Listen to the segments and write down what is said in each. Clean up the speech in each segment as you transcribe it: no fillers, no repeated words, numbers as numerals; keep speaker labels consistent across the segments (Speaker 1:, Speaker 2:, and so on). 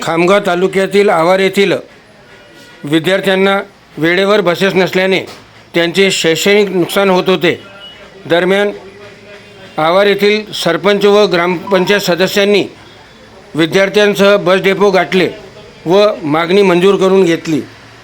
Speaker 1: खामगाव तालुक्यातील आवार येथील विद्यार्थ्यांना वेळेवर बसेस नसल्याने त्यांचे शैक्षणिक नुकसान होत होते। दरम्यान आवार येथील सरपंच व ग्रामपंचायत सदस्यांनी विद्यार्थ्यांसह बस डेपो गाठले व मागणी मंजूर करून घेतली।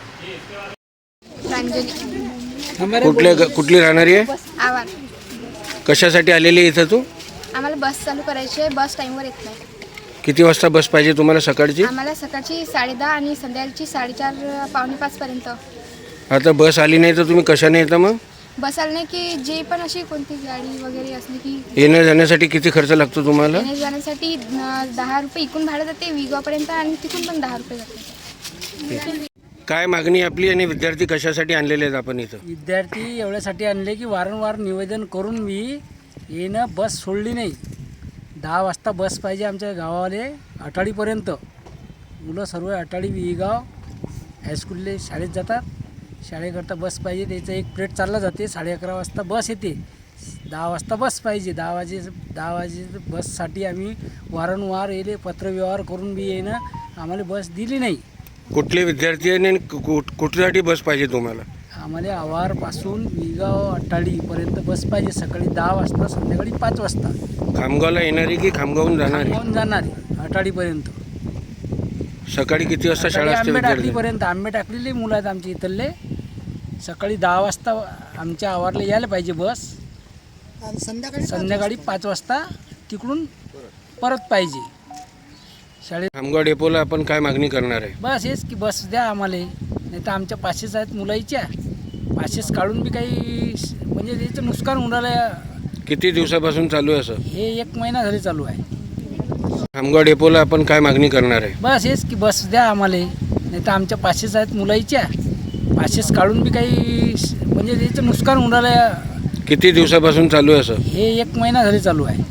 Speaker 1: कुठली राहणारी आहे?
Speaker 2: आवार।
Speaker 1: कशासाठी आलेली आहे इथं तू?
Speaker 2: आम्हाला बस चालू करायची आहे, बस टाईमवर येत नाही।
Speaker 1: किती वाजता बस पाहिजे तुम्हाला सकाळची?
Speaker 2: आम्हाला सकाळची 10:30 आणि संध्याकाळची 4:30 पावणे 5 पर्यंत।
Speaker 1: आता बस आली नाही तर तुम्ही कशाने येता मग?
Speaker 2: बस आली नाही की जे पण अशी कोणती गाडी वगैरे असली की
Speaker 1: येण्या जाण्यासाठी किती खर्च लागतो तुम्हाला?
Speaker 2: येण्या जाण्यासाठी 10 रुपये इकून भाडं जाते विगावपर्यंत आणि तिथून पण 10 रुपये जाते।
Speaker 1: काय मागणी आपली आणि विद्यार्थी कशासाठी आणलेले आहेत आपण इथं?
Speaker 3: विद्यार्थी एवढ्यासाठी आणले की वारंवार निवेदन करून मी येणं बस सोडली नाही। 10 वाजता बस पाहिजे आमच्या गावाले अटाळीपर्यंत। मुलं सर्व अटाळी विगाव हायस्कूलले शाळेत जातात, शाळेकरता बस पाहिजे। त्याचं एक प्लेट चालला जाते, 11:30 वाजता बस येते, 10 वाजता बस पाहिजे। 10 वाजे बससाठी आम्ही वारंवार येले पत्रव्यवहार करून बी येणं आम्हाला बस दिली नाही।
Speaker 1: कुठले विद्यार्थी आणि कुठल्यासाठी बस पाहिजे तुम्हाला?
Speaker 3: आम्हाला आवारपासून विगाव अट्टाळीपर्यंत बस पाहिजे, सकाळी 10 वाजता संध्याकाळी 5 वाजता।
Speaker 1: खामगावला येणारी की खामगावहून जाणारी?
Speaker 3: खामगावहून जाणारी अटाळीपर्यंत।
Speaker 1: सकाळी किती वाजता शाळा असते?
Speaker 3: आंबे टाकलीपर्यंत आंबे टाकलेले मुलं आहेत आमच्या इथले। सकाळी 10 वाजता आमच्या आवारला यायला पाहिजे बस, संध्याकाळी 5 वाजता तिकडून परत पाहिजे शाळेत।
Speaker 1: खामगाव डेपोला आपण काय मागणी करणार आहे?
Speaker 3: बस हेच की बस द्या आम्हाला, नाही तर आमच्या पासेस आहेत मुलाईच्या, पासेस काढून बी काही म्हणजे त्याचं नुकसान होऊन राहिलं।
Speaker 1: किती दिवसापासून चालू आहे असं?
Speaker 3: हे 1 महिना झाले चालू आहे।
Speaker 1: खामगाव डेपोला आपण काय मागणी करणार आहे?
Speaker 3: बस हेच की बस द्या आम्हाला, नाही तर आमच्या पासेस आहेत मुलाईच्या, पासेस काढून बी काही म्हणजे त्याचं नुकसान होऊन राहिलं।
Speaker 1: किती दिवसापासून चालू आहे असं?
Speaker 3: हे 1 महिना झाले चालू आहे।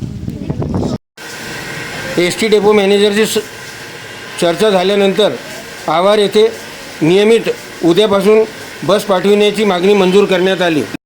Speaker 1: एस.टी. डेपो मॅनेजरची चर्चा झाल्यानंतर आवार येथे नियमित उद्यापासून बस पाठविण्याची मागणी मंजूर करण्यात आली।